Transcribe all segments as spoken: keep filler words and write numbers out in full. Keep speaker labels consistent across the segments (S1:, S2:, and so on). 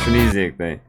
S1: Şunu izleyek dayı.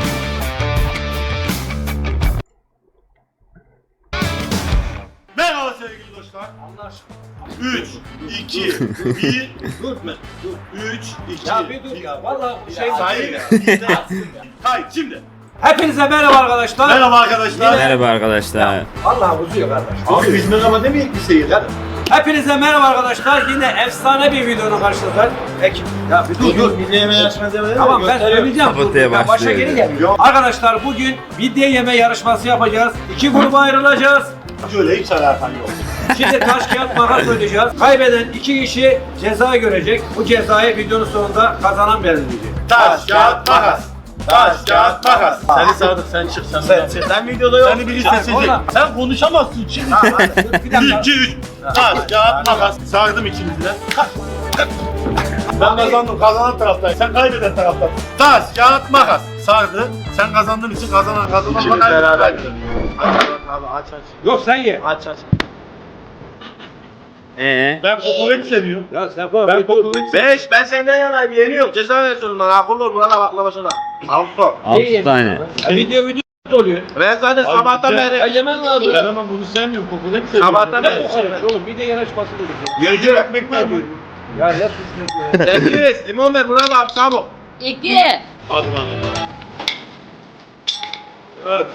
S2: Merhaba sevgili dostlar. Allah aşkına. üç, iki, bir, dur mu? üç, iki,
S3: Ya bir dur ya. Vallahi bu şey
S2: Sayın. Hayır şimdi.
S3: Hepinize merhaba arkadaşlar.
S2: Merhaba arkadaşlar.
S1: Merhaba arkadaşlar.
S3: Vallahi uzuyor kardeş.
S2: Abi biz merhaba demeyek bir seyir.
S3: Hepinize merhaba arkadaşlar. Yine efsane bir videonun karşınızdayız. Peki. Ya bir dur dur.
S2: Biz yeme yarışması yapalım.
S3: Tamam ben söyleyeceğim.
S1: Kapataya
S3: Ben başa
S1: başlıyor.
S3: geri geliyorum. Arkadaşlar bugün midye yeme yarışması yapacağız. İki gruba ayrılacağız.
S2: Şöyle hiç alakan yok.
S3: Şimdi taş kağıt makas oynayacağız. Kaybeden iki kişi ceza görecek. Bu cezayı videonun sonunda kazanan belirleyecek.
S2: Taş, kağıt, makas. Taş, kağıt, makas. Seni sağdık, sen çık, sen sen, sen, sen videoda yok. Seni biri seçecek.
S3: oradan.
S2: Sen konuşamazsın şimdi.
S3: Bir
S2: bir,
S3: dakika.
S2: iki, üç. Taş, kağıt, makas. Sardım ikimizi de. Ben kazandım, kazanan taraftayım. Sen kaybeden taraftasın. Taş, kağıt, makas. Sardı. Sen kazandığın için kazanan kazanan. İkimiz beraber. Aç abi, aç aç.
S3: Yok sen ye.
S2: Aç aç.
S1: Ee,
S2: Ben kokoreç seviyorum.
S3: Ya sen koy.
S2: Ben kokoreç beş, ben senden yanayım, yeniyorum. Ceza veriyorsun lan, akıllı ol, buna baklava şuna. Altı.
S1: altı tane.
S3: Video video oluyor.
S2: Ben zaten sabahtan
S3: Ya
S2: beri...
S3: yemen lazım.
S2: Ben ama bunu sevmiyorum, kokoreç seviyorum.
S3: Sabahtan beri. Oğlum bir de yarışması dedik.
S2: Yiyecek ekmek var mı?
S3: Ya ne suçlu ya.
S2: Sergis, limon ver, buna bak, çabuk.
S4: İki.
S2: Hadi lan. Evet.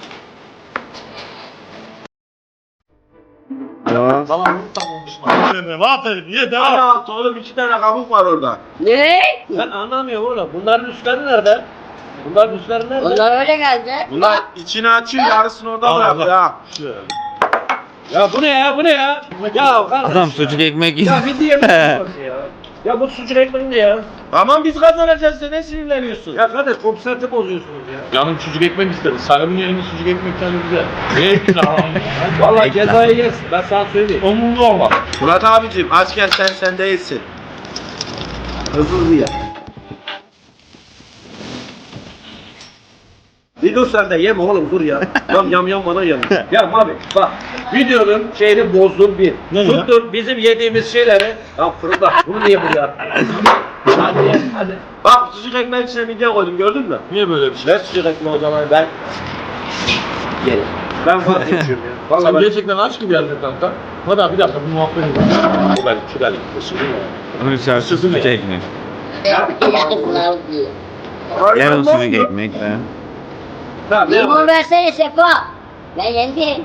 S1: Tamam.
S2: Tamam, tamam. Aferin, ye devam. Ana, oğlum iki tane kabuk var orada.
S4: Ne?
S3: Ben anlamıyorum oğlum. Bunların üstleri nerede? Bunların üstleri nerede?
S4: Onlar öyle geldi.
S2: Bunlar içini açıyor, yarısını orada bırakıyor ha.
S3: Ya bu ne ya? Bu ne ya? Ya kardeş.
S1: Adam sucuk ekmek yiyor.
S3: Ya bir diye mi ya? Ya bu sucuk ekmeği ne ya?
S2: Aman biz kazanacağız, sen ne sinirleniyorsun?
S3: Ya kardeş konsantre bozuyorsunuz ya.
S5: Canım sucuk ekmek istedi. Sarımın yerine sucuk ekmek tane güzel. Ne ekmek ağam?
S3: Vallahi cezayı yersin. Ben sana söyleyeyim.
S5: Umurumda olma.
S2: Murat abicim, açken sen sen değilsin. Hızlı hızlı ye.
S3: Bir dur sen de yeme oğlum dur ya. Yam yam yam bana yam. Ya abi bak videonun şeyini bozdun bir.
S2: Ne ya?
S3: Tuttun bizim yediğimiz şeyleri. Ya fırında bunu niye buraya attın? Hadi ye, hadi.
S2: Bak sucuk ekmek içine midye koydum, gördün mü?
S5: Niye böyle bir şey?
S2: Ver sucuk ekmeği o zaman, ben... Yerim.
S3: Ben vazgeçiyorum ya. Vallahi
S5: Sen
S3: ben...
S5: gerçekten aç gibi geldin kanka. Hadi abi bir dakika bu muhabbet edelim. Bu benim, şu benim. Isırdın mı?
S1: Onun içerisi sucuk ekmek.
S4: Yakınlar diyor.
S1: Yarım sucuk ekmek de.
S3: Tamam, ne
S4: Limon
S3: yapayım?
S4: versene Sefa. Ben yendim.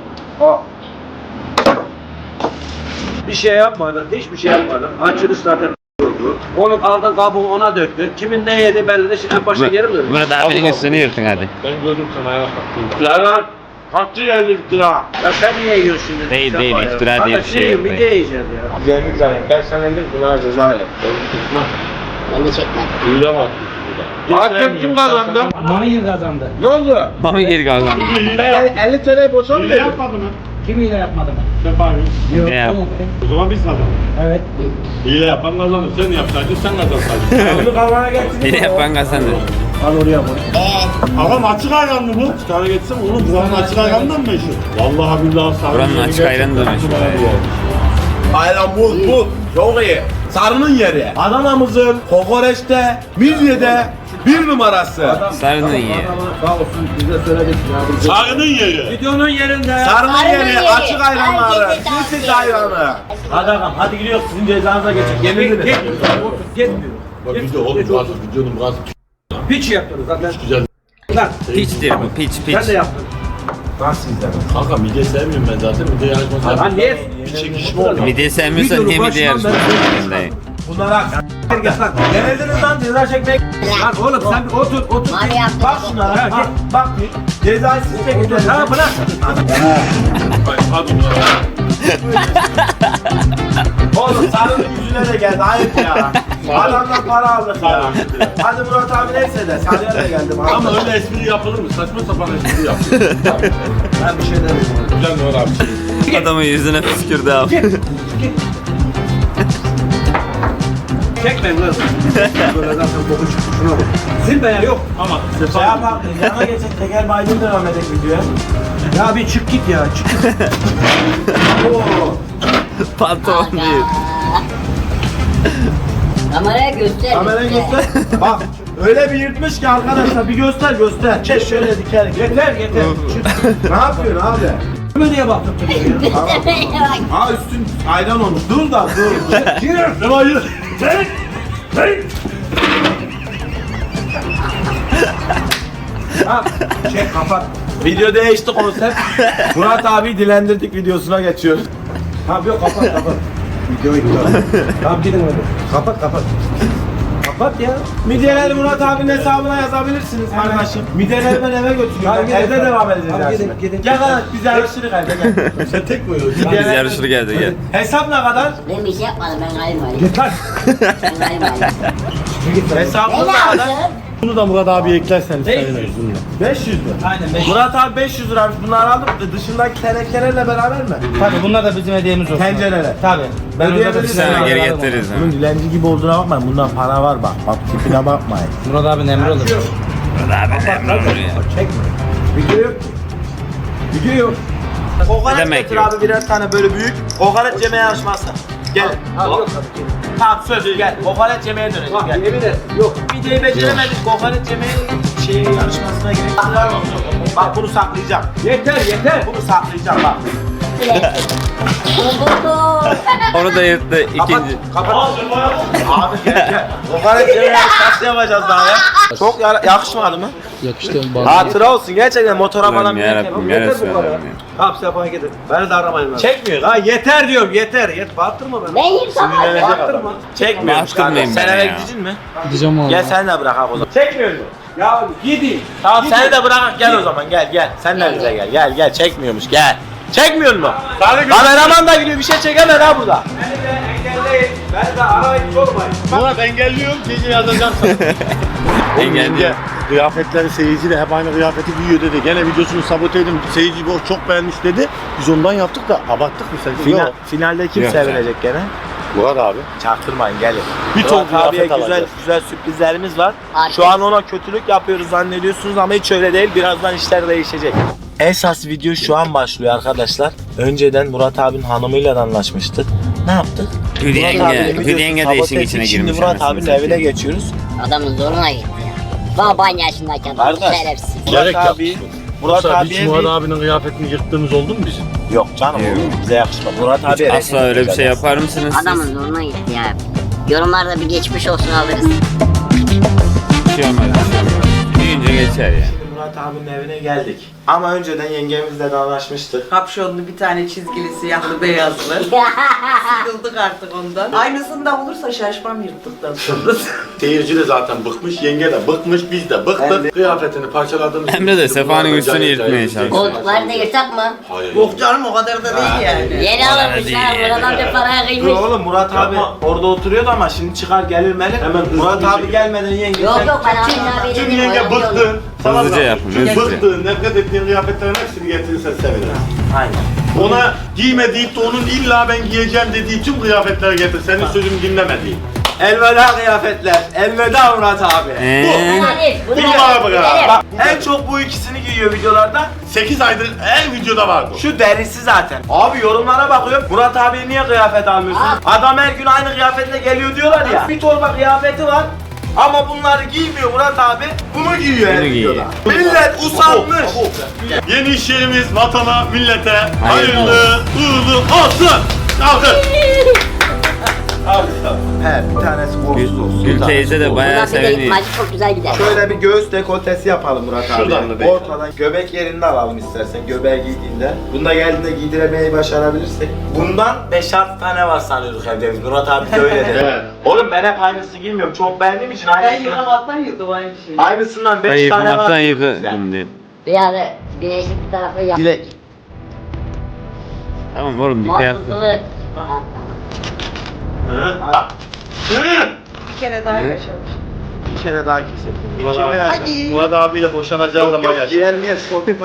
S3: Bir şey yapmadın, hiçbir şey yapmadın. Açılış zaten oldu. Onu aldın kabuğu ona döktün. Kimin ne yedi belli de şimdi en başa geri mi döndün?
S1: Murat abinin üstünü yırtın hadi.
S5: Ben gördüm sana ayağa kalktın.
S2: Lan kaçtı geldi iftira.
S3: Ya sen niye yiyorsun şimdi?
S1: Değil,
S3: Sen
S1: değil,
S3: var ya.
S1: iftira
S3: Hadi
S1: diye bir şey yok,
S3: Bir
S1: değil.
S3: de yiyeceğiz ya.
S5: Güzellik zaten. Ben sana dedim buna ceza ile.
S4: Ben de çekmem.
S5: Duyuyor bak.
S2: Hakem kim kazandı?
S3: Mami kazandı.
S2: Ne oldu?
S1: Mami geri kazandı.
S2: elli T L boşa mı
S5: Hile
S2: verdin?
S5: yapmadı mı?
S3: Kim yine yapmadı mı?
S5: Sefa abi.
S1: Ne yap?
S5: O zaman biz kazandık.
S3: Evet.
S5: Hile yapan kazandı. Sen yapsaydın sen kazansaydın.
S3: Bunu kavana getirdim.
S1: Yine yapan kazandı.
S3: Al oraya koy.
S2: Ağam açık ayran mı bu? Açık ayran geçsem oğlum buranın açık ayranından mı meşhur?
S5: Vallahi billahi sarı.
S1: Buranın açık ayranı da meşhur.
S6: Ayran bu, bu. Çok iyi. Sarının yeri. Adana'mızın kokoreçte, midyede bir numarası.
S1: Sarını ye.
S3: Sağ olsun bize söyledik ya.
S2: Sarının yeri.
S3: Videonun yerinde.
S6: Sarının
S4: Sarının
S6: yeri,
S4: yeri.
S6: açık ayranları,
S4: Herkese tavsiye
S6: sirsiz
S4: ederim.
S6: ayranı.
S3: Hadi ağam hadi gidiyoruz sizin cezanıza geçecek. Yenildiniz. Gitmiyor.
S5: Bak video oğlum biraz videonun biraz
S3: Piç yaptınız zaten.
S5: güzel.
S3: Lan
S1: Piçtir bu piç
S3: sen
S1: piç.
S3: de yaptın.
S5: Kanka midye sevmiyorum ben zaten. Midye yarışması
S3: Lan
S5: yapıyorum.
S3: niye?
S5: Bir çekişme oldu.
S1: Midye sevmiyorsan
S3: Videonun
S1: niye midye
S3: başından
S1: yarışması
S3: beri
S1: yapıyorsun dayı?
S6: Bunlara
S3: Git lan.
S6: yenildiniz lan ceza çekmek.
S3: Lan oğlum sen bir otur otur.
S4: Mami yaptı.
S6: Bak şunlara,
S3: Ha,
S6: bak, bak bir. Cezayı siz çekeceksiniz.
S3: Ha bırak.
S5: Hadi ya.
S6: Oğlum sarının yüzüne de geldi, ayıp ya. Adamdan para aldık ya. Hadi Murat abi neyse de, sarıya da geldim.
S5: Ama öyle espri yapılır mı? Saçma sapan espri yapılır.
S3: Ben bir şey demiyorum.
S5: Güzel mi var abi?
S1: Adamın yüzüne püskürdü abi.
S3: Git. Git. Çekmeyin lan. Böyle zaten boku çıktı şuna bak. Zilbeya yok.
S5: Ama
S6: Şey
S5: Sefa
S6: yapalım, yana geçecek teker baydın devam edecek videoya.
S3: Ya bir çık git ya çık.
S6: Oo.
S1: Patron değil.
S4: Kameraya göster.
S6: Kamerayı göster. Bak öyle bir yırtmış ki arkadaşlar bir göster göster. Çek şöyle diker.
S3: Yeter yeter.
S6: Ne yapıyorsun abi?
S3: Kime niye baktın?
S6: Ha üstün ayran olmuş. Dur da dur. Yürü. Ne var yürü. Çek. Çek.
S3: Tamam. Çek kapat.
S6: Video değişti konsept. Murat abi dilendirdik videosuna geçiyoruz.
S3: Tamam yok kapat kapat. Video iptal. Tamam gidin hadi. Kapat kapat. Kapat ya.
S6: Midyeleri Murat abinin hesabına yazabilirsiniz kardeşim. Midyeleri ben eve götürüyorum.
S3: Tamam,
S6: Ben
S3: gidin.
S6: evde devam edeceğiz
S3: Tamam,
S6: dersine.
S3: gidin, gidin.
S6: Gel kardeş biz yarışırız evde gel. Sen tek mi oynuyorsun?
S1: Biz yarışır geldi gel.
S6: Hesap ne kadar?
S4: Ben bir şey yapmadım ben kayınvalideyim.
S3: Git lan.
S4: Ben kayınvalideyim.
S3: Git lan.
S6: Hesabımız
S4: Ne
S6: ne kadar?
S4: yaptın?
S2: Bunu da Murat abi eklersen seviniriz bununla.
S6: beş yüz mü?
S3: Aynen beş.
S6: Murat abi beş yüz liraymış. Bunları aldım. Dışındaki tenekelerle beraber mi?
S3: Tabii bunlar da bizim hediyemiz olsun.
S6: Tencereler.
S3: Tabii. Ben öyle
S6: Ödeyebiliriz.
S3: bir
S1: Sana geri
S3: alırım
S1: getiririz. ha.
S6: Bunun dilenci gibi olduğuna bakmayın. Bundan para var bak. Bak tipine bakmayın.
S3: onu. Murat abi emri olur. Çekme. Video yok ki. Video yok.
S6: Kokoreç
S1: demek
S6: getir
S1: yok?
S6: abi birer tane böyle büyük. Kokoreç yemeye yarışması. Gel.
S3: Abi yok tabii ki.
S6: Tamam söz gel. Kokoreç yemeye dönelim
S3: Bak
S6: gel.
S3: yemin et. Yok.
S6: Videoyu beceremedik. Kokoreç yemeye şey yarışmasına girelim. Bak bunu saklayacağım.
S3: Yeter yeter.
S6: Bunu saklayacağım bak.
S1: Onu da yırttı
S3: Kapat.
S1: ikinci.
S3: Kapat.
S6: Abi gel gel. Kokoreç yemeye yarışması yapacağız daha ya. Çok ya- yakışmadı mı?
S5: Yakıştı.
S6: Hatıra olsun gerçekten motora falan
S1: Allah'ım
S6: bir
S1: yarabbim
S3: Yeter
S1: ya
S3: bu kadar.
S1: Resulallah.
S3: Tamam Sefa gidin. Beni de aramayın lan.
S6: Çekmiyor.
S3: Ha yeter diyorum yeter. Yeter. Bağırtırma beni.
S4: Ben yıkamadım.
S3: Bağırtırma.
S6: Çekmiyor.
S1: Bastırmayın
S6: Sen
S1: beni
S6: eve
S1: ya.
S6: gideceksin mi?
S5: Gideceğim abi.
S6: Gel sen de bırak abi o zaman.
S3: Çekmiyor mu? Ya gidin.
S6: Tamam seni de bırak gel o zaman gel gel. Sen de bize gel gel gel çekmiyormuş gel. Çekmiyor mu? Kameraman da gidiyor bir şey çekemez ha burada.
S3: Beni de engelleyin. Beni de arayın sormayın.
S2: Murat engelliyorum gece yazacağım sana.
S1: Engelli.
S2: Kıyafetleri seyirci de hep aynı kıyafeti giyiyor dedi. Gene videosunu sabote edin. Seyirci bu çok beğenmiş dedi. Biz ondan yaptık da abarttık mı sence?
S6: Final,
S2: Yok.
S6: finalde kim
S1: Yok.
S6: sevinecek gene?
S2: Murat abi.
S6: Çaktırmayın gelin.
S2: Bir ton
S6: Murat abiye
S2: kıyafet
S6: güzel
S2: alacağız.
S6: güzel sürprizlerimiz var.
S4: Artık.
S6: Şu an ona kötülük yapıyoruz zannediyorsunuz ama hiç öyle değil. Birazdan işler değişecek. Esas video şu an başlıyor arkadaşlar. Önceden Murat abinin hanımıyla da anlaşmıştık. Ne yaptık?
S1: Hülya
S6: Murat
S1: yenge,
S6: abinin
S1: Hülya
S6: videosunu
S1: yenge de
S6: sabote
S1: işin
S6: ettik.
S1: içine
S6: Şimdi
S1: girmiş.
S6: Murat
S1: anasını
S6: abinin
S1: satayım.
S6: evine geçiyoruz.
S4: Adamın zoruna gitti ya. Baban yaşındayken adam
S6: Kardeş.
S4: şerefsiz.
S6: Murat
S2: Gerek
S6: abi Murat
S2: Yoksa
S6: abiye
S2: hiç Murat
S6: bir...
S2: abinin kıyafetini yırttığımız oldu mu bizim?
S6: Yok canım
S1: Yok.
S6: oğlum bize yakışmadı. Murat abi
S1: Asla öyle bir şey yapar mısınız siz?
S4: Adamın zoruna gitti ya. Yorumlarda bir geçmiş olsun alırız.
S1: Bir şey olmaz. bir şey olmaz. Büyüyünce geçer ya.
S6: Murat abinin evine geldik. Ama önceden yengemizle de anlaşmıştık.
S7: Kapşonlu bir tane çizgili siyahlı beyazlı. Sıkıldık artık ondan. Aynısını da olursa şaşmam yırttıktan sonra.
S2: Seyirci de zaten bıkmış, yenge de bıkmış, biz de bıktık. Kıyafetini parçaladığımız
S1: Emre de Sefa'nın üstünü yırtmaya çalışıyor.
S4: Koltukları da yırtak mı?
S2: Hayır.
S7: Yok canım o kadar da değil yani.
S4: Yeni alınmışlar. Buradan bir paraya
S6: Dur
S4: kıymış.
S6: oğlum Murat abi orada oturuyordu ama şimdi çıkar gelir melir.
S2: Hemen hızlı
S6: Murat
S2: bir
S6: abi
S2: şey.
S6: gelmeden yenge
S4: Yok
S6: sen-
S4: yok ben Ahmet abiyle
S2: Tüm
S4: dedim,
S2: yenge
S4: oyalı yolu.
S2: bıktın.
S1: Hızlıca yapın, hızlıca.
S2: Bıktın, nefret ettiğin kıyafetlerin hepsini getirirsen sevinirim.
S6: Aynen.
S2: Ona giyme deyip de onun illa ben giyeceğim dediği tüm kıyafetleri getir. Senin sözümü dinlemediği.
S6: Elveda kıyafetler. Elveda Murat abi.
S1: Eee?
S4: Hadi, bunu
S2: Bir
S4: da-
S2: numara bırak.
S4: gidelim.
S6: Bak en çok bu ikisini giyiyor videolarda.
S2: sekiz aydır her videoda var bu.
S6: Şu derisi zaten. Abi yorumlara bakıyorum. Murat abiye niye kıyafet almıyorsun?
S4: Abi.
S6: Adam her gün aynı kıyafetle geliyor diyorlar ya. Bir torba kıyafeti var. Ama bunları giymiyor Murat abi. Bunu giyiyor her
S1: Bunu giyiyor.
S6: videoda. Millet usanmış.
S2: Yeni iş yerimiz vatana, millete hayırlı, uğurlu olsun. Kalkın.
S6: He bir tanesi borçsuz olsun.
S1: Gül teyze de bayağı
S4: Buradan bir de
S1: seviniyor.
S4: maçı çok güzel gider.
S6: Şöyle bir göğüs dekoltesi yapalım Murat abi.
S2: Şuradan mı bekle?
S6: Ortadan göbek yerinde alalım istersen göbeği giydiğinde. Bunda geldiğinde giydiremeyi başarabilirsek. Bundan beş altı tane var sanıyorduk evde biz. Murat abi de öyle dedi.
S2: Evet.
S6: Oğlum ben hep aynısı giymiyorum. Çok beğendiğim için
S7: Ben
S6: aynısından.
S7: yıkamaktan yırdım aynı şeyi.
S6: Aynısından
S1: Ben
S6: beş tane var.
S1: yıkamaktan yıkadım diye.
S4: Bir ara güneşlik bir tarafı yap.
S6: Dilek.
S1: Tamam oğlum bir kıyafet.
S4: Mutluluk.
S7: Bir kere daha yaşamış.
S6: Bir kere daha kesin.
S2: Murat abi-
S7: Hadi.
S2: Murat abiyle boşanacağı zaman yaş.
S6: Giyelim Çok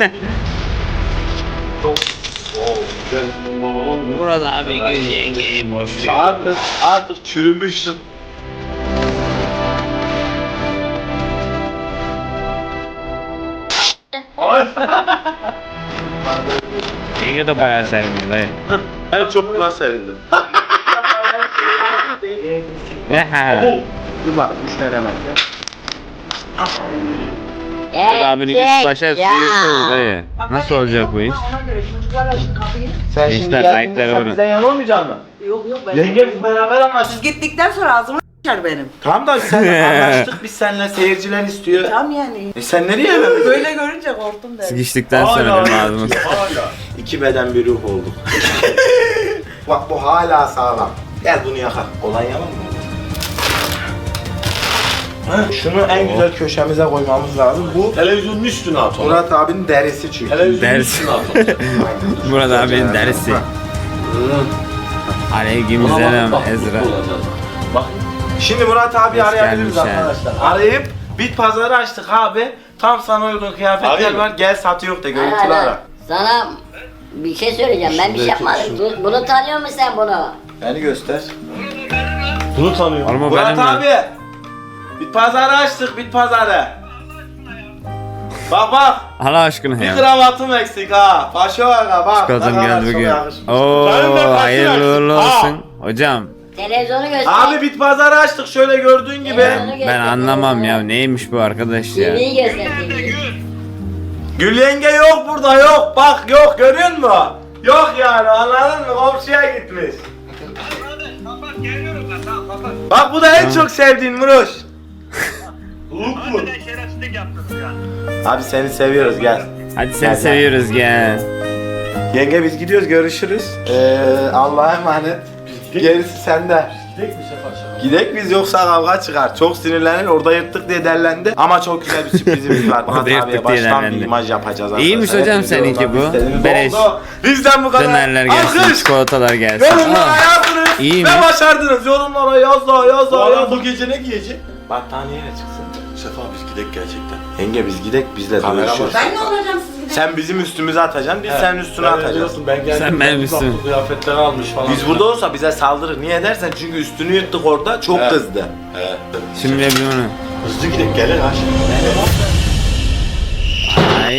S1: Burada abi Gül yengeyi boş ver.
S6: Artık, artık çürümüşsün.
S1: Yenge de bayağı seviniyor dayı.
S2: En çok buna sevindim.
S5: Bir bak müşteri hemen ya.
S1: Abinin üst başa sıyırsınız dayı. Nasıl olacak bu iş?
S7: Ona göre çocuklar açtı kapıyı.
S6: Sen
S1: Gençler,
S6: şimdi geldiğinde
S1: ayakları
S6: sen
S1: vurun.
S6: bizden yan olmayacaksın mı?
S7: Yok yok ben.
S6: Yenge biz beraber anlaştık.
S7: Siz gittikten sonra ağzımı s**er benim.
S6: Tamam da sen anlaştık biz seninle seyirciler istiyor.
S7: Tam yani.
S6: E sen nereye hemen?
S7: Böyle görünce korktum der.
S1: Sıkıştıktan sonra benim ağzıma sıkıştı.
S2: Hala.
S6: İki beden bir ruh olduk. Bak bu hala sağlam. Gel bunu yakar. Olan yalan mı? Ha, şunu en güzel köşemize koymamız lazım. Bu
S2: Televizyonun üstüne at onu.
S6: Murat abinin derisi çünkü.
S2: Televizyonun
S1: Ders.
S2: üstüne at onu.
S1: Murat abinin dersi. Aleyküm selam Ezra.
S6: Şimdi Murat abi
S1: Hoş
S6: arayabiliriz
S1: gelmiş ha.
S6: arkadaşlar. Arayıp bit pazarı açtık abi. Tam sana uygun kıyafetler
S2: Arayayım.
S6: var. Gel satı yok de görüntülü
S4: Hala
S6: ara.
S4: sana bir şey söyleyeceğim. Ben bir şey yapmadım. Bu- Bunu tanıyor musun sen bunu?
S6: Beni göster.
S2: Bunu tanıyorum.
S1: Oğlum o
S6: Murat
S1: benim mi?
S6: abi. Bit pazarı açtık bit pazarı. Bak bak.
S1: Allah aşkına
S6: Bir
S1: ya.
S6: kravatım eksik ha. Paşa aga bak.
S1: Çikolatam
S6: Ne kadar
S1: geldi
S6: çok
S1: bugün.
S6: yakışmış.
S1: Oo
S2: Benim de kaçın
S1: hayırlı uğurlu
S2: açsın.
S1: olsun. Hocam
S4: Televizyonu göster.
S6: Abi bit pazarı açtık şöyle gördüğün gibi.
S4: Televizyonu göster,
S1: ben anlamam
S4: televizyonu.
S1: ya neymiş bu arkadaş ya.
S4: T V'yi göster T V'yi.
S6: Gül yenge yok burada yok. Bak yok görüyor musun? Yok yani anladın mı? Komşuya gitmiş. Bak bu da en çok sevdiğin Muruş.
S2: Look mu?
S6: Abi seni seviyoruz gel.
S1: Hadi seni
S6: Gel, gel.
S1: seviyoruz gel.
S6: Yenge biz gidiyoruz görüşürüz. Ee, Allah'a emanet. Gerisi sende.
S2: Gidek mi Sefa Şahan?
S6: Gidek biz yoksa kavga çıkar. Çok sinirlenir orada yırttık diye derlendi. Ama çok güzel bir sürprizimiz var. Murat
S1: Orada
S6: abiye
S1: yırttık diye
S6: baştan bir
S1: derlendi.
S6: imaj yapacağız arkadaşlar.
S1: İyiymiş hocam
S6: Hepimize
S1: seninki
S6: yoldan
S1: bu.
S6: istediğimiz
S1: Beleş.
S6: oldu. Bizden bu kadar.
S1: Dönerler gelsin,
S6: Alkış.
S1: çikolatalar gelsin.
S6: Yorumlara
S1: Aa,
S6: yazdınız
S1: İyi
S6: ve
S1: mi?
S6: başardınız. Yorumlara yaz daha yaz
S2: Bu
S6: daha
S2: adam
S6: yaz.
S2: bu gece ne giyecek?
S6: Battaniyeyle çıksın.
S2: Sefa biz gidek gerçekten.
S6: Yenge biz gidek bizle
S2: Kamera
S6: dövüşürüz.
S7: Ben ne olacağım siz gidin.
S6: Sen bizim üstümüze atacaksın biz senin üstüne atacağız.
S2: Ben geldim.
S1: Sen benim üstüm.
S2: Bak, kıyafetleri almış falan.
S6: Biz burada olsa bize saldırır. Niye dersen çünkü üstünü yırttık orada çok
S2: Evet.
S6: kızdı.
S2: He.
S1: Şimdi bir onu.
S2: Hızlı gidek gelir ha şimdi.
S1: Ay.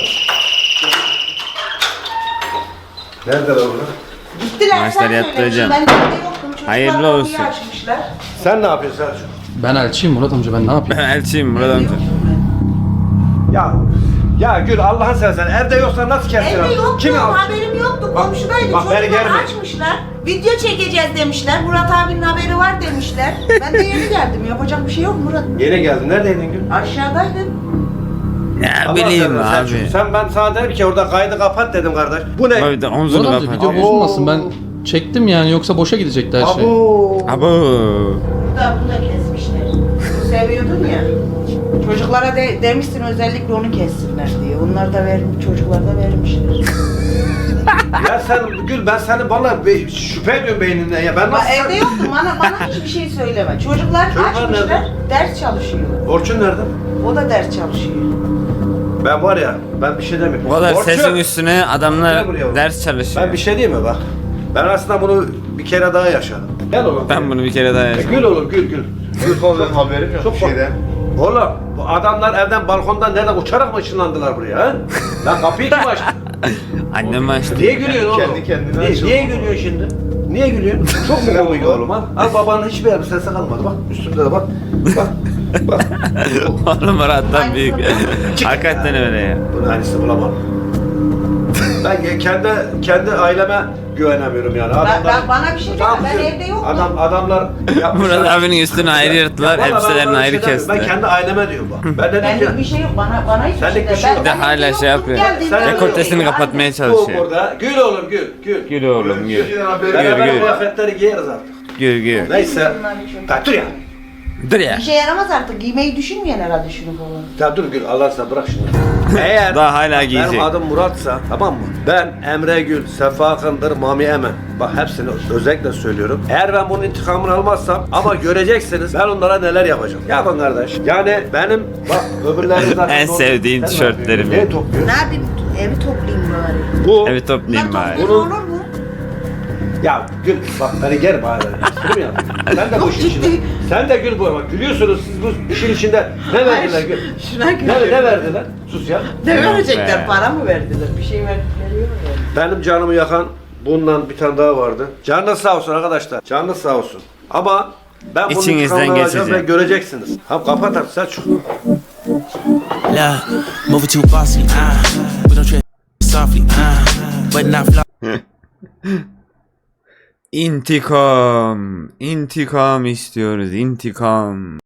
S2: Nerede lan bunu?
S7: Gittiler
S1: Maçlar
S7: sen
S1: yattı
S7: söylemişsin.
S1: hocam.
S7: Ben de evde yoktum. Çocuklar
S1: Hayırlı
S7: kapıyı
S1: olsun.
S7: açmışlar.
S2: Sen ne yapıyorsun Selçuk?
S5: Ben elçiyim Murat amca ben ne yapayım?
S1: Ben elçiyim Murat amca.
S8: Ya ya Gül Allah'ın seversen evde yoksa nasıl kestin?
S7: Evde yoktu,
S8: Kim aldı?
S7: haberim yoktu.
S8: Bak,
S7: Komşudaydı.
S8: bak beni
S7: Çocuklar
S8: germe.
S7: açmışlar. Video çekeceğiz demişler. Murat abinin haberi var demişler. Ben de yeni geldim. Yapacak bir şey yok Murat.
S8: Yine geldin. Neredeydin Gül?
S7: Aşağıdaydım.
S1: Ne
S8: Allah
S1: bileyim
S8: seversen
S1: abi.
S8: Selçuk, Sen ben sana dedim ki orada kaydı kapat dedim kardeş. Bu ne?
S1: Abi de omzunu
S5: Murat amca
S1: kapat.
S5: video bozulmasın ben çektim yani yoksa boşa gidecekti her şey.
S8: Abo.
S1: Abo.
S7: Burada bunu da kesmişler. Seviyordun ya. Çocuklara de, demişsin özellikle onu kessinler diye. Onlar da ver, çocuklar da vermişler.
S8: Ya sen Gül ben seni bana be, şüphe ediyorum beyninden ya. Ben
S7: Ama
S8: nasıl...
S7: evde yoktum. Bana, bana hiçbir şey söyleme. Çocuklar,
S8: Çocuklar
S7: açmışlar.
S8: nerede?
S7: Ders çalışıyor.
S8: Orçun nerede?
S7: O da ders çalışıyor.
S8: Ben var ya ben bir şey demiyorum.
S1: Bu kadar
S8: Orçun,
S1: sesin üstüne adamlar
S8: Gel buraya.
S1: ders çalışıyor.
S8: ben bir şey diyeyim mi bak. Ben aslında bunu bir kere daha yaşadım. Gel oğlum.
S1: Ben bunu bir kere daha
S8: E,
S1: yaşadım.
S8: gül oğlum gül gül. Gül oğlum.
S2: Haberim yok
S8: Çok
S2: bir şeyden.
S8: Oğlum bu adamlar evden balkondan nereden uçarak mı ışınlandılar buraya ha? Lan kapıyı kim açtı?
S1: Annem açtı.
S8: Niye gülüyorsun oğlum?
S2: Kendi kendine
S8: niye,
S2: açıldı.
S8: niye gülüyorsun şimdi? Niye gülüyorsun? Çok mu komik oğlum ha? Al babanın hiçbir elbisesi kalmadı bak. Üstünde de bak. Bak. Bak.
S1: Oğlum Murat'tan
S7: Aynısı
S1: büyük. Hakikaten öyle ya.
S8: Bunun aynısını bulamadım. Ben kendi kendi aileme güvenemiyorum yani.
S7: Ben,
S8: Adamlar,
S7: ben, bana bir şey deme. Ben
S8: Tamam,
S7: evde yoktum.
S8: Adam, adamlar yapmışlar.
S1: Murat abinin üstünü ayrı yırttılar,
S8: Ya vallahi ben
S1: elbiselerini
S8: bana bir
S1: ayrı
S8: şey demiyorum. Ben
S1: kestiler.
S8: kendi aileme diyorum bak. Ben dedim
S7: Benlik
S8: ki
S7: bir şey yok. Bana bana hiçbir
S8: Senlik
S7: şey
S8: bir şey yok.
S1: Bir de hala şey yapıyor. Dekoltesini kapatmaya
S8: bu
S1: çalışıyor.
S8: burada. Gül oğlum gül gül.
S1: Gül oğlum gül.
S8: Beraber
S1: gül.
S8: kıyafetleri giyeriz artık.
S1: Gül gül.
S8: Neyse. Ya dur ya.
S1: Dur ya.
S7: Bir şey yaramaz artık. Giymeyi düşünmeyen herhalde şunu falan.
S8: Ya dur Gül Allah aşkına bırak şunu. Eğer
S1: Daha hala giyecek.
S8: benim adım Murat'sa tamam mı? Ben Emre Gül, Sefa Akındır, Mami Emen. Bak hepsini özellikle söylüyorum. Eğer ben bunun intikamını almazsam ama göreceksiniz ben onlara neler yapacağım. Yapın kardeş. Yani benim bak öbürleri zaten
S1: En
S8: doğru.
S1: sevdiğin
S8: Sen ne
S1: tişörtlerim.
S8: yapıyorsun? Neyi topluyor?
S7: Ne yapayım? Evi toplayayım bari.
S8: Bu
S1: Evet toplayayım
S7: Bunlar
S1: bari.
S7: toplayayım olur mu?
S8: ya Gül bak beni germe hala. Espri mi yaptın? Sen de bu işin içinde. Sen de Gül bu bak gülüyorsunuz siz bu işin içinde. Ne verdiler Gül?
S7: Şuna
S8: Ne,
S7: gülüyorum.
S8: ne verdiler? Sus ya.
S7: Ne
S1: Yok
S7: verecekler?
S1: be.
S7: Para mı verdiler? Bir şey verdikleri yok yani.
S8: Benim canımı yakan bundan bir tane daha vardı. Canınız sağ olsun arkadaşlar. Canınız sağ olsun. Ama Ben bunun
S1: İçinizden
S8: intikamını alacağım ve
S1: geçecek.
S8: göreceksiniz. Tamam kapat artık Selçuk.
S9: Love, moving too bossy. Ah, we don't tread softly. Ah, but not fly.
S1: İntikam. İntikam istiyoruz. İntikam.